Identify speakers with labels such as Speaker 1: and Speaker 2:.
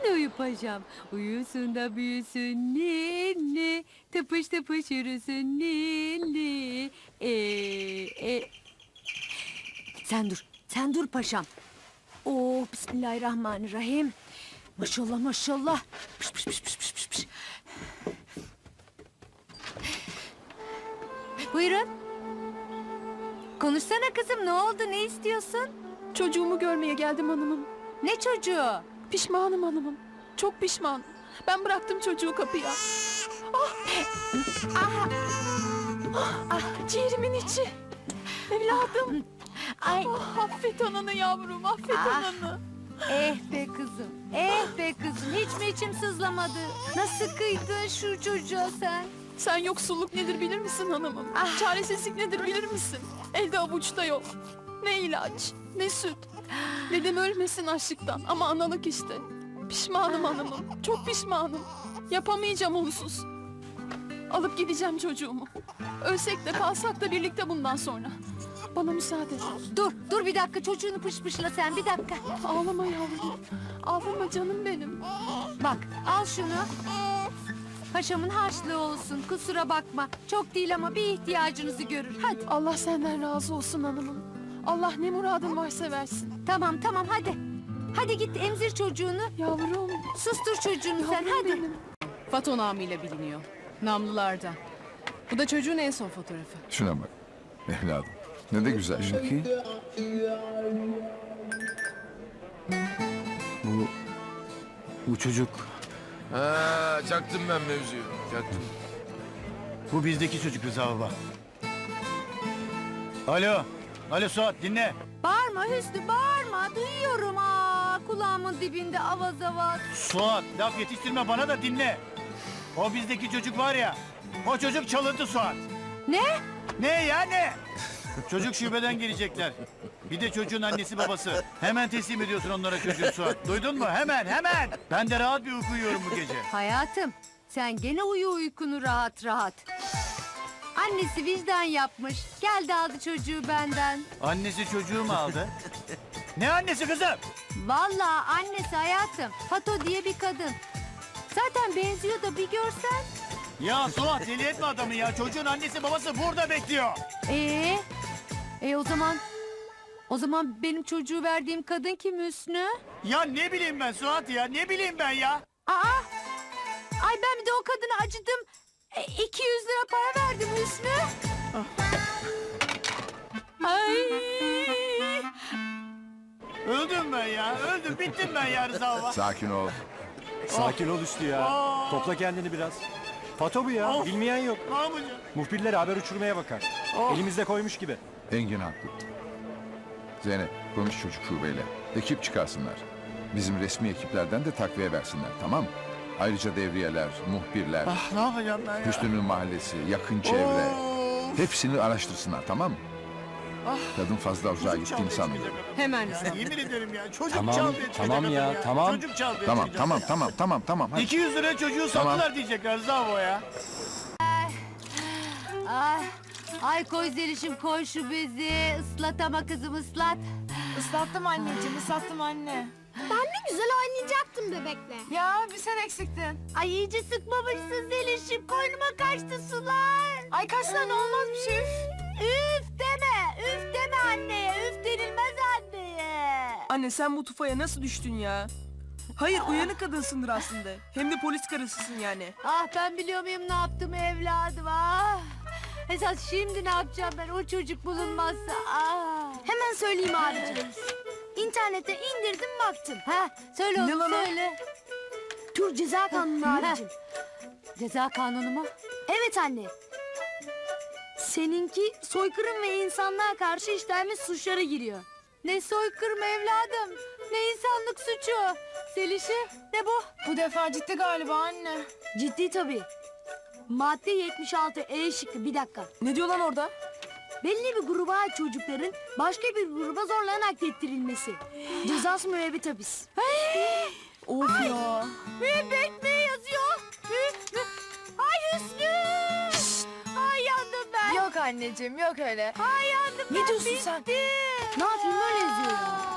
Speaker 1: uyu paşam. Uyusun da büyüsün ninni. Tıpış tıpış yürüsün ninni. Sen dur paşam. Oh, bismillahirrahmanirrahim. Maşallah maşallah. Pış pış pış pış pış pış. Buyurun. Konuşsana kızım, ne oldu, ne istiyorsun?
Speaker 2: Çocuğumu görmeye geldim hanımım.
Speaker 1: Ne çocuğu?
Speaker 2: Pişmanım hanımım. Çok pişman. Ben bıraktım çocuğu kapıya. Ciğerimin içi. Evladım.
Speaker 1: Ay,
Speaker 2: Affet ananı yavrum, affet ananı.
Speaker 1: be kızım, be kızım. Hiç mi içim sızlamadı? Nasıl kıydın şu çocuğa sen?
Speaker 2: Sen yoksulluk nedir bilir misin hanımım? Çaresizlik nedir bilir misin? Elde avuçta yok. Ne ilaç, ne süt. Dedem ölmesin açlıktan ama analık işte. Pişmanım hanımım, çok pişmanım. Yapamayacağım onsuz. Alıp gideceğim çocuğumu. Ölsek de kalsak da birlikte bundan sonra. Bana müsaade.
Speaker 1: Dur bir dakika, çocuğunu pışpışla sen, bir dakika.
Speaker 2: Ağlama yavrum. Ağlama canım benim.
Speaker 1: Bak, al şunu. Paşamın harçlığı olsun, kusura bakma. Çok değil ama bir ihtiyacınızı görür, hadi.
Speaker 2: Allah senden razı olsun hanımım. Allah ne muradın varsa versin.
Speaker 1: Tamam hadi. Hadi git emzir çocuğunu.
Speaker 2: Yavrum.
Speaker 1: Sustur çocuğunu sen,
Speaker 2: Yavrum
Speaker 1: hadi.
Speaker 2: benim.
Speaker 3: Fato namıyla biliniyor. Namlılardan. Bu da çocuğun en son fotoğrafı.
Speaker 4: Şuna bak evladım. Ne de güzel şey.
Speaker 5: Bu çocuk,
Speaker 6: Ha, çaktım ben mevzuyu. Çaktım.
Speaker 5: bu bizdeki çocuk Rıza baba. Alo Suat dinle.
Speaker 1: Bağırma Hüsnü, bağırma. Duyuyorum, kulağımın dibinde avaz avaz.
Speaker 5: Suat laf yetiştirme bana da dinle. O bizdeki çocuk var ya, o çocuk çalıntı Suat.
Speaker 1: Ne?
Speaker 5: Ne ya ne? Çocuk şubeden gelecekler. Bir de çocuğun annesi babası. Hemen teslim ediyorsun onlara çocuğu Suat. Duydun mu? Hemen. Ben de rahat bir uyku uyuyorum bu gece.
Speaker 1: Hayatım, sen gene uyu uykunu rahat rahat. Annesi vicdan yapmış. Geldi aldı çocuğu benden.
Speaker 5: Annesi çocuğu mu aldı? Ne annesi kızım?
Speaker 1: Vallahi annesi hayatım. Fato diye bir kadın. Zaten benziyor da bir görsen.
Speaker 5: Ya Suat deli etme adamı ya. Çocuğun annesi babası burada bekliyor.
Speaker 1: O zaman benim çocuğu verdiğim kadın kim Hüsnü?
Speaker 5: Ya ne bileyim ben Suat ya. Ne bileyim ben ya.
Speaker 1: Ay ben bir de o kadına acıdım. 200 lira para verdim Hüsnü. Ay.
Speaker 5: Öldüm ben ya. Öldüm. Bittim ben ya Rıza baba.
Speaker 4: Sakin ol.
Speaker 7: Sakin ol Üstü ya. Topla kendini biraz. Fato bu ya. Bilmeyen yok.
Speaker 5: Ne yapacağım?
Speaker 7: Muhbirler haber uçurmaya bakar. Elimizde koymuş gibi.
Speaker 4: Engin haklı. Zeynep konuş çocuk şubeyle. Ekip çıkarsınlar. Bizim resmi ekiplerden de takviye versinler, tamam mı? Ayrıca devriyeler, muhbirler,
Speaker 5: Ne yapacağım ben ya?
Speaker 4: Hüsnü'nün mahallesi, yakın çevre. Hepsini araştırsınlar, tamam mı? Kadın fazla uzağa gittiğini sanmıyorum.
Speaker 3: Hemen Rıza.
Speaker 5: Yemin ederim ya. Çocuk
Speaker 7: Tamam,
Speaker 5: çaldı etmedi
Speaker 7: tamam
Speaker 5: kadın
Speaker 7: ya, tamam.
Speaker 5: Çocuk çaldı
Speaker 4: Tamam. Hadi.
Speaker 5: 200 liraya çocuğu sattılar diyecekler Rıza baba ya.
Speaker 1: Ay koy Zeliş'im, koy şu bezi. Islat ama kızım, ıslat.
Speaker 2: Islattım anneciğim, ıslattım anne.
Speaker 8: Ben ne güzel oynayacaktım bebekle.
Speaker 2: Ya bir sen eksiktin.
Speaker 1: Ay iyice sıkmamışsın Zeliş'im. Koynuma kaçtı sular.
Speaker 2: Ay kaç tane olmaz bir şey.
Speaker 1: Üf deme anneye. Üf denilmez anneye.
Speaker 9: Anne sen bu tufaya nasıl düştün ya? Hayır uyanık kadınsındır aslında. Hem de polis karısısın yani.
Speaker 1: Ah ben biliyor muyum ne yaptım evladım, Esas şimdi ne yapacağım ben, o çocuk bulunmazsa,
Speaker 8: Hemen söyleyeyim abicim. İnternete indirdim baktım.
Speaker 1: Söyle oğlum,
Speaker 9: Ne lan o?
Speaker 1: söyle.
Speaker 8: Türk Ceza Kanunu abicim.
Speaker 1: Ceza kanunu mu?
Speaker 8: Evet anne. Seninki soykırım ve insanlığa karşı işlenmiş suçlara giriyor.
Speaker 1: Ne soykırım evladım, ne insanlık suçu. Zeliş'i, ne bu?
Speaker 2: Bu defa ciddi galiba anne.
Speaker 8: Ciddi tabii. Madde 76 E şıkkı, bir dakika.
Speaker 9: Ne diyor lan orada?
Speaker 8: Belli bir gruba ait çocukların başka bir gruba zorla naklettirilmesi. Cezası müebbet hapis.
Speaker 9: Of ya.
Speaker 1: Müebbet mi yazıyor? Ay Hüsnü! Ay yandım ben.
Speaker 2: Yok anneciğim, yok öyle.
Speaker 1: Ay yandım ben,
Speaker 2: Ne diyorsun sen?
Speaker 1: bittim.
Speaker 8: Ne yapayım, öyle yazıyor ya.